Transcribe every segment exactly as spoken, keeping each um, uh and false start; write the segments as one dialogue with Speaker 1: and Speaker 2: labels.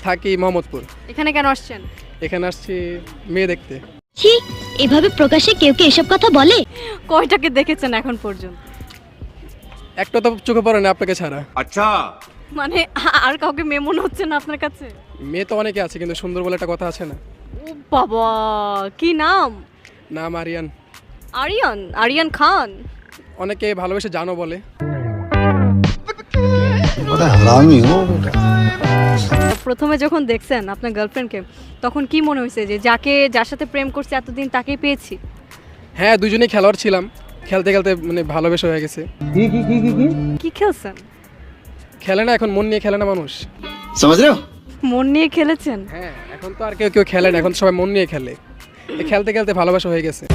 Speaker 1: থাকি মোহাম্মদপুর।
Speaker 2: এখানে কেন আসছেন?
Speaker 1: এখানে আসছি মেয়ে দেখতে।
Speaker 3: ছি, এভাবে প্রকাশ্যে কেউ কি এসব কথা বলে?
Speaker 2: কয়টাকে দেখেছেন এখন পর্যন্ত?
Speaker 1: একটা তো চোখে পড়ে না আপনাকে ছাড়া।
Speaker 4: আচ্ছা,
Speaker 2: মানে আর কাউকে মেয়ে মনে হচ্ছে না আপনার কাছে?
Speaker 1: মেয়ে তো অনেকে আছে, কিন্তু সুন্দর বলে একটা কথা আছে না?
Speaker 2: ও বাবা, কি নাম?
Speaker 1: নাম আরিয়ান।
Speaker 2: আরিয়ান? আরিয়ান খান?
Speaker 1: অনেকে ভালোবেসে জানো বলে।
Speaker 2: প্রথমে যখন দেখছেন আপনার গার্লফ্রেন্ডকে, তখন কি মনে হয়েছে যে যাকে যার সাথে প্রেম করছে এতদিন তাকেই পেয়েছি?
Speaker 1: হ্যাঁ, দুজনেই খেলোয়াড় ছিলাম, খেলতে খেলতে মানে ভালোবেসে হয়ে গেছে।
Speaker 2: কি খেলছেন?
Speaker 1: খেলে না এখন, মন নিয়ে খেলে না মানুষ।
Speaker 2: মন নিয়ে খেলেছেন?
Speaker 1: হ্যাঁ, এখন তো আর কেউ কেউ খেলে না, এখন সবাই মন নিয়ে খেলে। এই খেলতে খেলতে ভালোবাসা হয়ে গেছে।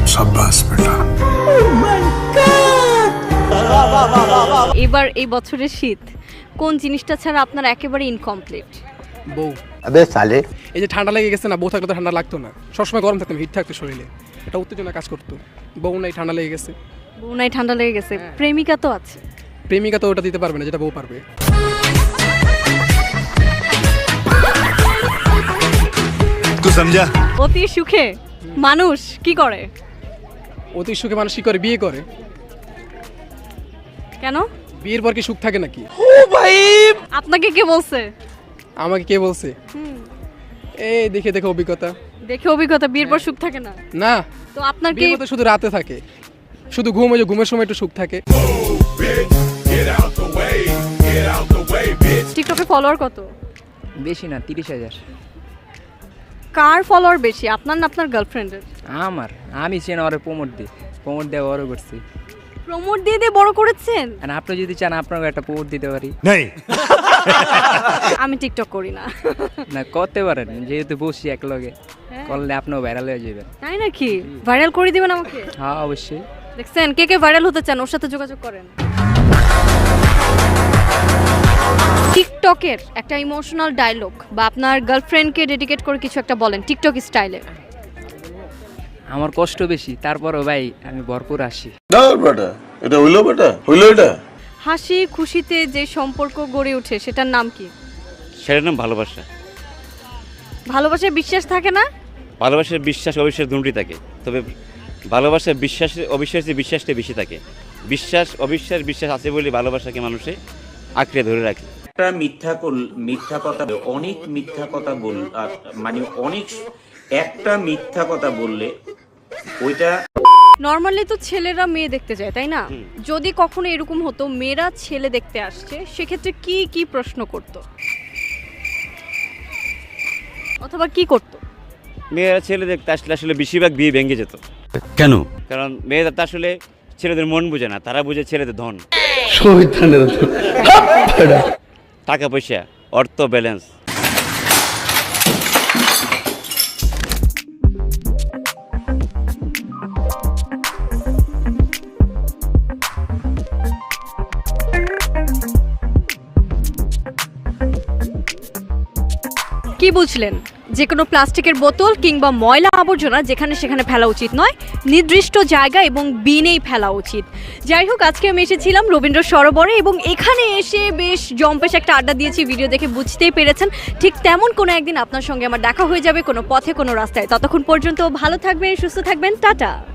Speaker 2: এবার এই বছরের শীত কোন জিনিসটা ছাড়া আপনার একেবারে ইনকমপ্লিট?
Speaker 1: বউ।
Speaker 5: আবে সালে,
Speaker 1: এই যে ঠান্ডা লেগে গেছে না, বউ থাকলে তো ঠান্ডা লাগতো না, সবসময় গরম থাকতাম, হিট থাকতো শরীরে, এটা উত্তেজনা কাজ করতো। বউ নাই, ঠান্ডা লেগে গেছে।
Speaker 2: বউ নাই, ঠান্ডা লেগে গেছে। প্রেমিকা তো আছে।
Speaker 1: প্রেমিকা তো ওটা দিতে পারবে না যেটা বউ পারবে।
Speaker 4: তুই সমঝা?
Speaker 2: অতি সুখে মানুষ কি করে?
Speaker 1: অতি সুখে মানুষ কি করে? বিয়ে করে।
Speaker 2: কেন?
Speaker 1: বিয়ের পর কি সুখ থাকে নাকি?
Speaker 2: আপনাকে কে বলছে?
Speaker 1: আমাকে কে বলছে?
Speaker 2: হুম,
Speaker 1: এই দেখে দেখে অভিজ্ঞতা।
Speaker 2: দেখে অভিজ্ঞতা। বিয়ের পর সুখ থাকে না?
Speaker 1: না,
Speaker 2: তো আপনার কি?
Speaker 1: বিয়ের পর তো শুধু রাতে থাকে, শুধু ঘুম, ওই যে ঘুমের সময় একটু সুখ থাকে।
Speaker 2: টিকটকে ফলোয়ার কত?
Speaker 6: বেশি না, তিরিশ হাজার।
Speaker 2: কার ফলোয়ার বেশি, আপনার না আপনার গার্লফ্রেন্ডের?
Speaker 6: আমার, আমি চেন ওরে প্রমোট দিই, প্রমোট দিয়ে বড় করছি।
Speaker 2: প্রমোট দিয়ে দিয়ে বড় করেছেন?
Speaker 6: আর আপনি যদি চান আপনাকে একটা প্রমোট দিতে পারি।
Speaker 4: নেই,
Speaker 2: আমি টিকটক করি না।
Speaker 6: না, করতে পারেন, যেহেতু বসি এক লগে,
Speaker 2: হ্যাঁ।
Speaker 6: করলে আপনিও ভাইরাল হয়ে যাবেন।
Speaker 2: তাই নাকি? ভাইরাল করে দিবেন আমাকে?
Speaker 6: হ্যাঁ, অবশ্যই।
Speaker 2: দেখছেন, কে কে ভাইরাল হতে চান ওর সাথে যোগাযোগ করেন। টিকটকের একটা ইমোশনাল ডায়লগ বা আপনার গার্লফ্রেন্ডকে ডেডিকেট করে কিছু একটা বলেন টিকটক স্টাইলে।
Speaker 6: আমার কষ্ট বেশি, তারপরও ভাই আমি ভরপুর আসি।
Speaker 7: না বেটা, এটা হইলো বেটা, হইলো এটা।
Speaker 2: হাসি খুশিতে যে সম্পর্ক গড়ে ওঠে সেটার নাম কি?
Speaker 8: সেটার নাম ভালোবাসা।
Speaker 2: ভালোবাসায় বিশ্বাস থাকে না?
Speaker 8: ভালোবাসার বিশ্বাস অবিশ্বাস দুটোই থাকে, তবে ভালোবাসার বিশ্বাস অবিশ্বাসে বিশ্বাসটা বেশি থাকে। বিশ্বাস অবিশ্বাস বিশ্বাস আছে বলে ভালোবাসাকে মানুষে আঁকড়ে ধরে রাখে।
Speaker 9: একটা মিথ্যা মিথ্যা কথা, অনেক মিথ্যা কথা বল, মানে অনেক একটা মিথ্যা কথা বললে ওইটা।
Speaker 2: নর্মালি তো ছেলেরা মেয়ে দেখতে যায়, তাই না? যদি কখনো এরকম হতো মেয়েরা ছেলে দেখতে আসছে, সেক্ষেত্রে কি কি প্রশ্ন করত অথবা কি করত?
Speaker 8: মেয়েরা ছেলে দেখতে আসলে আসলে বেশিরভাগ বিয়ে ভেঙে যেত।
Speaker 4: কেন?
Speaker 8: কারণ মেয়েরা তো আসলে ছেলেদের মন বুঝে না, তারা বুঝে ছেলেদের ধন, টাকা পয়সা, অর্থ, ব্যালেন্স।
Speaker 2: কি বুঝলেন? যে কোনো প্লাস্টিকের বোতল কিংবা ময়লা আবর্জনা যেখানে সেখানে ফেলা উচিত নয়, নির্দিষ্ট জায়গা এবং বিনেই ফেলা উচিত। যাই হোক, আজকে আমি এসেছিলাম রবীন্দ্র সরোবরে এবং এখানে এসে বেশ জম্পেশ একটা আড্ডা দিয়েছি। ভিডিও দেখে বুঝতেই পেরেছেন, ঠিক তেমন কোনো একদিন আপনার সঙ্গে আমার দেখা হয়ে যাবে কোনো পথে কোনো রাস্তায়। ততক্ষণ পর্যন্ত ভালো থাকবেন, সুস্থ থাকবেন, টাটা।